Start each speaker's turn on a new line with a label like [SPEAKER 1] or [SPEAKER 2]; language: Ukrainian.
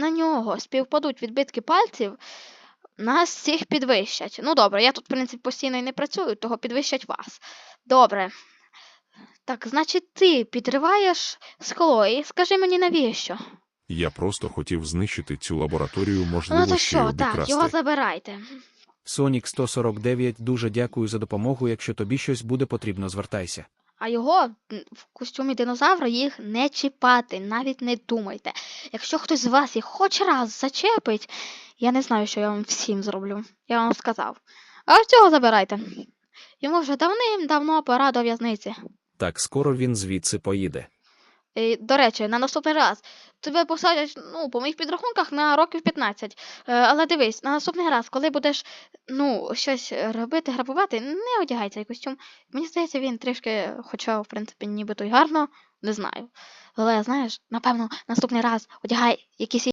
[SPEAKER 1] на нього співпадуть відбитки пальців, нас всіх підвищать. Ну добре, я тут, в принципі, постійно і не працюю, того підвищать вас. Добре. Так, значить, ти підриваєш скло і скажи мені навіщо?
[SPEAKER 2] Я просто хотів знищити цю лабораторію,
[SPEAKER 1] Ну
[SPEAKER 2] можливо,
[SPEAKER 1] то
[SPEAKER 2] ще й
[SPEAKER 1] що, так, його
[SPEAKER 2] обікрасти.
[SPEAKER 1] забирайте.
[SPEAKER 3] Сонік 149, дуже дякую за допомогу. Якщо тобі щось буде потрібно, звертайся.
[SPEAKER 1] А його в костюмі динозавра їх не чіпати, навіть не думайте. Якщо хтось з вас їх хоч раз зачепить, я не знаю, що я вам всім зроблю. Я вам сказав. А цього забирайте. Йому вже давним-давно пора до в'язниці.
[SPEAKER 3] Так, скоро він звідси поїде.
[SPEAKER 1] І, до речі, на наступний раз тебе посадять, ну, по моїх підрахунках, на років 15. Але дивись, на наступний раз, коли будеш, ну, щось робити, грабувати, не одягай цей костюм. Мені здається, він трішки, хоча, в принципі, нібито й гарно, не знаю. Але, знаєш, напевно, наступний раз одягай якісь